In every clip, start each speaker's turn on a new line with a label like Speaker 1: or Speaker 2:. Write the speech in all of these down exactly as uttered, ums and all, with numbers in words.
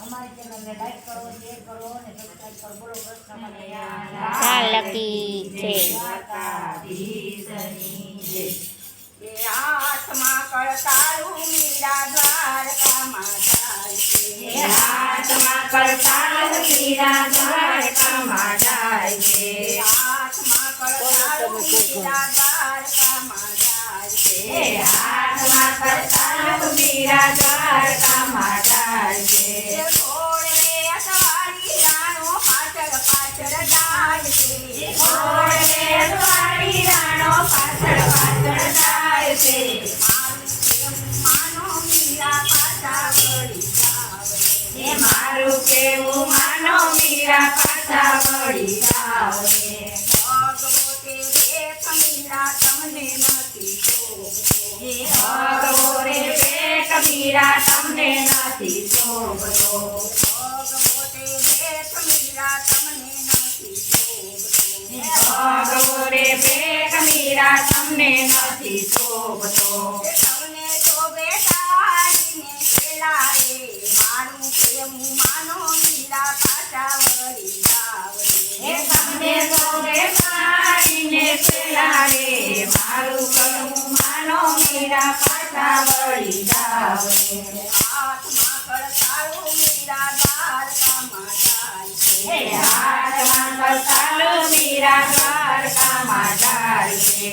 Speaker 1: અમારી ચેનલને લાઈક કરો, શેર કરો અને સબસ્ક્રાઇબ કરો. બોલો કૃષ્ણ કનૈયા
Speaker 2: લાલ કી જય.
Speaker 3: દ્વારકાધીશની જય. એ હાથમાં કળતાળું મીરા દ્વારકામાં જાય છે. એ હાથમાં કળતાળું મીરા દ્વારકામાં જાય છે. હાથમાં કળતાળું મીરા દ્વારકામાં જાય છે. હાથમાં કળતાળું મીરા દ્વારકામાં જાય છે. ઘોડે અસવારી રાણો પાછળ પાછળ જાય છે. ઘોડે અસવારી રાણો પાછળ પાછળ જાય છે. મારું કેવું માનો મીરા પાછા વળી જાવ રે. ભગવો તે ભેખ મીરા તમને નથી શોભતો. ભગવો રે ભેખ મીરા તમને નથી શોભતો. ભગવો તે ભેખ મીરા તમને નથી શોભતો. ભગવો રે ભેખ મીરા તમને નથી શોભતો. તમને શોભે તારીને પેલા રે. મારું કેવું માનો મીરા પાછા વળી જાવ રે. તમને શોભે તારીને પેલા રે. મારું કેવું માનો મીરા પાછા વળી જાવ રે. હાથમાં કળતાળું મીરા દ્વારકામાં જાય છે. હાથમાં કળતાળું મીરા દ્વારકામાં જાય છે.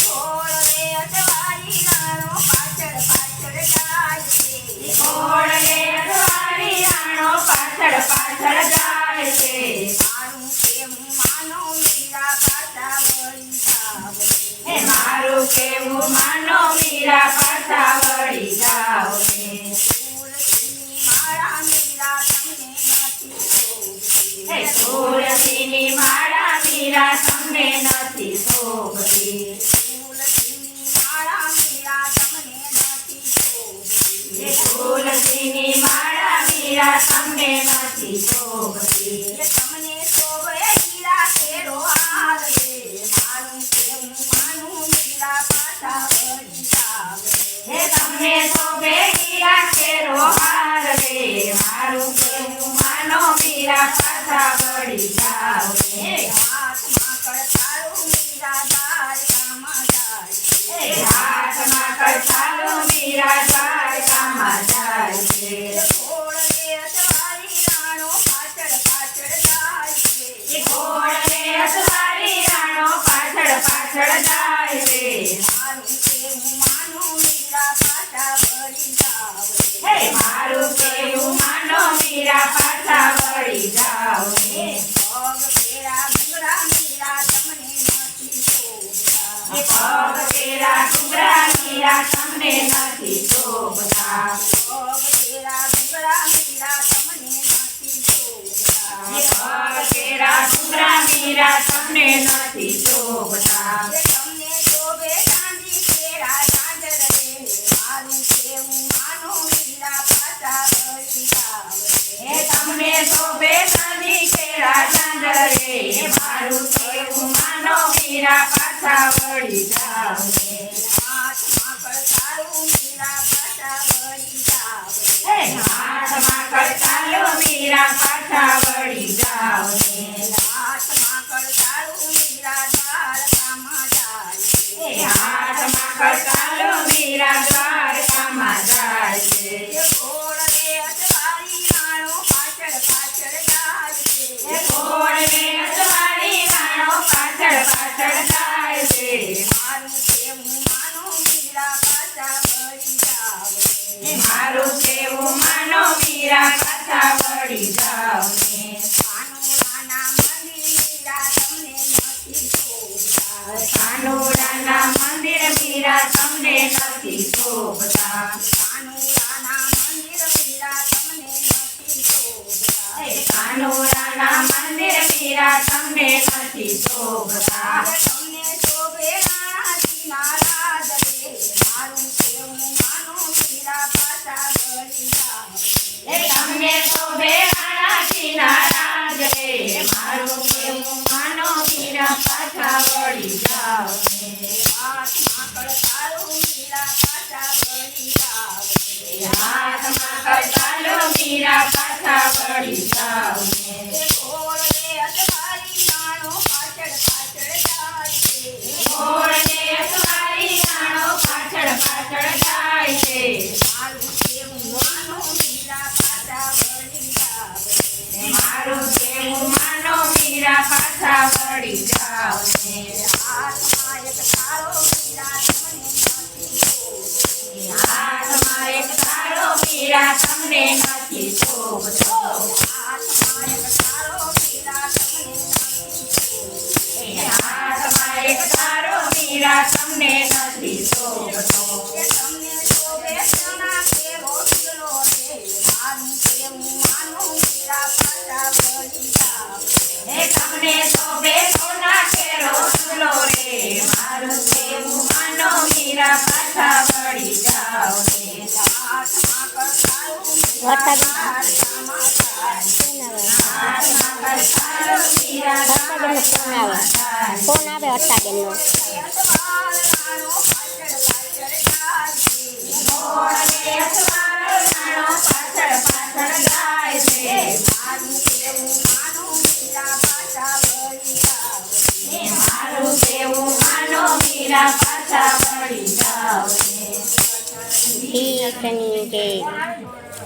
Speaker 3: ઘોડે અસવારી રાણો પાછળ પાછળ જાય છે. ઘોડે અસવારી રાણો પાછળ પાછળ જાય છે. મારું કેવું માનો મીરા પાછા વળી જાવ રે. મારું કેવું માનો મીરા પાછા વળી જાવ રે. તુલસીની માળા મીરા તમને નથી શોભતી. તુલસીની માળા મીરા તમને નથી શોભતી. તુલસીની માળા મીરા તમને નથી શોભતી. તુલસીની માળા મીરા તમને નથી શોભતી. તમને શોભે હીરા કેરો હાર રે. મારું કેવું માનું મીરા પાછા વળી જાવ રે. તમને શોભે હીરા કેરો હાર રે. મારું કેવું માનો મીરા પાછા વળી જાવ રે. હાથમાં કળતાળું મીરા દ્વારકામાં જાય છે. હાથમાં કળતાળું મીરા દ્વારકામાં જાય છે. ઘોડે અસવારી રાણો પાછળ પાછળ જાય છે. ઘોડે અસવારી રાણો પાછળ પાછળ જાય છે. મારું કેવું માનો મીરા પાછા વળી જાવ રે. મારું કેવું માનો મીરા પાછા વળી જાવ રે. પગ પેરા ડુંગરા મીરા તમને નથી શોભતા. પગ પેરા ડુંગરા મીરા તમને નથી શોભતા. પગ પેરા ડુંગરા મીરા તમને નથી શોભતા. પગ પેરા ડુંગરા મીરા તમને નથી શોભતા. તમને શોભે ચાંદી કેરા ઝાંઝર રે. મારું કેવું માનો મીરા પાછા વળી જાવ રે. તમને શોભે ચાંદી કેરા ઝાંઝર રે. મારું કેવું માનો મીરા પાછા વળી જાવ રે. હાથમાં કળતાળું મીરા પાછા વળી જાવ રે. હાથમાં કળતાળું મીરા પાછા વળી જાવ રે. હાથમાં કળતાળું મીરા દ્વારકામાં જાય છે. હાથમાં કળતાળું મીરા દ્વારકામાં જાય છે. ઘોડે અસવારી રાણો પાછળ પાછળ જાય છે. ઘોડે અસવારી રાણો પાછળ પાછળ જાય છે. મારું કેવું માનો મીરા પાછા વળી જાવ રે. મારું કેવું માનો મીરા પાછા વળી જાવ રે. કાનુડાના મંદિર મીરા તમને નથી શોભતા. કાનુડાના મંદિર મીરા તમને નથી શોભતા. કાનુડાના મંદિર મીરા તમને નથી શોભતા. કાનુડાના મંદિર મીરા તમને નથી શોભતા. તમને શોભે રાણાજીના રાજ રે. મારું કેવું માનો મીરા પાછા વળી જાવ રે. તમને શોભે રાણાજીના રાજ રે. મારું કેવું માનો મીરા પાછા વળી જાવ રે. હાથમાં કળતાળું મીરા પાછા વળી જાવ રે. હાથમાં કરતાલો મીરા પાછા વળી જાવ ને ઘોડને અસવારી નાણો પાછળ પાછળ જાય છે ઘોડને અસવારી નાણો પાછળ પાછળ જાય છે મારું કેવું માનો મીરા પાછા વળી જાવ ને મારું કેવું માનો મીરા પાછા વળી જાવ ને હાથમાં એક તારો મીરા તમને નથી હાથમાં એક તારો મીરા તમને નથી શોભતો હાથમાં એક તારો મીરા તમને નથી હાથમાં એક તારો મીરા તમને નથી શોભતો તમને શોભે સોના કેવો ઢીલો રે મારું કેવું માનો મીરા પાછા વળી જાવ હે તમને શોભે સોના કેરો ઢીલો રે મારું કેવું માનો મીરા પાછા વળી જાવ ને હાથમાં કરતાલો
Speaker 2: વરસાદ
Speaker 3: હાથમાં કરતાલો મીરા
Speaker 2: હર્ષાબેનનો ફોન આવે ફોન આવે હર્ષાબેનનો
Speaker 3: પાછા વળી જાવ
Speaker 2: ઠીક છે